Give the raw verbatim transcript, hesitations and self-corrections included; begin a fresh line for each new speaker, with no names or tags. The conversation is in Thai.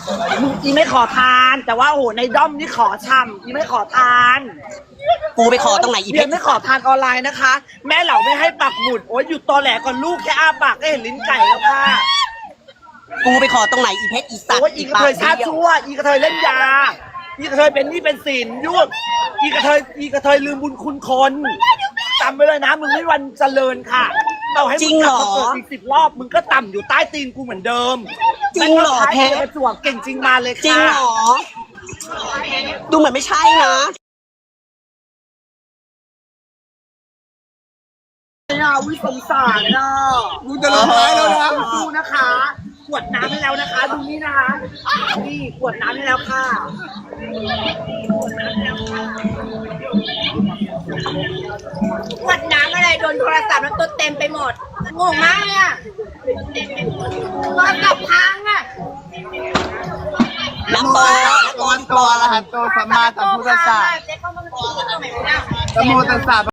มึงอีไม่ขอทาน แต่ว่าโอ้โหในด้อมนี่ขอช่ำอีไม่ขอทาน
กูไปขอตรงไหนอีเพ
เบีย
ช
ร์
ร
ไม่ขอทานออนไลน์นะคะ แม่เหล่าไม่ให้ปักหมุดโอ้ยหยุดตอแหลก่อนลูกแค่อ้าปากก็เห็นลิ้นไก่แล้วค่ะ
กูไปขอตรงไหนอีเพชรอีสัตว์
โอ้ยอีกระเทยชาติชั่วอีกระเทยเล่นยาอีกระเทยเป็นหนี่เป็นสินยุ่งอีกระเทยอีกระเทยลืมบุญคุณคนจำไว้เลยนะมึงไม่วันเจริญค่ะเราให้มึงกลับมาเกิดอีกสิบรอบมึงก็ต่ำอยู่ใต้ตีนกูเหมือนเดิม
จริงเหรอเพชร
ประจวบเก่งจริงมาเลยค่ะ
จริงเหรอดูเหมือนไม่ใช่นะ
น่าวิสงสารน่ะ
กูจะร้องไห้แล้วนะ
ดูนะคะขวดน้ำให้แล้วนะคะดูนี่นะคะนี่ขวดน้ำให้แล้วค่ะ
ขวดน้ำอะไรโดนโทรศัพท์แล้วตัวเต็มไปหมดงงมากเลยอ่ะโทรศัพท์พังอ่ะ
น้ำโต
ตัวตัวละหันตัวสัมมาสัมพุทธัสสะ
เจ๊เข้ามาตรงไหนวะเนี่ย
นะโมตัสสะ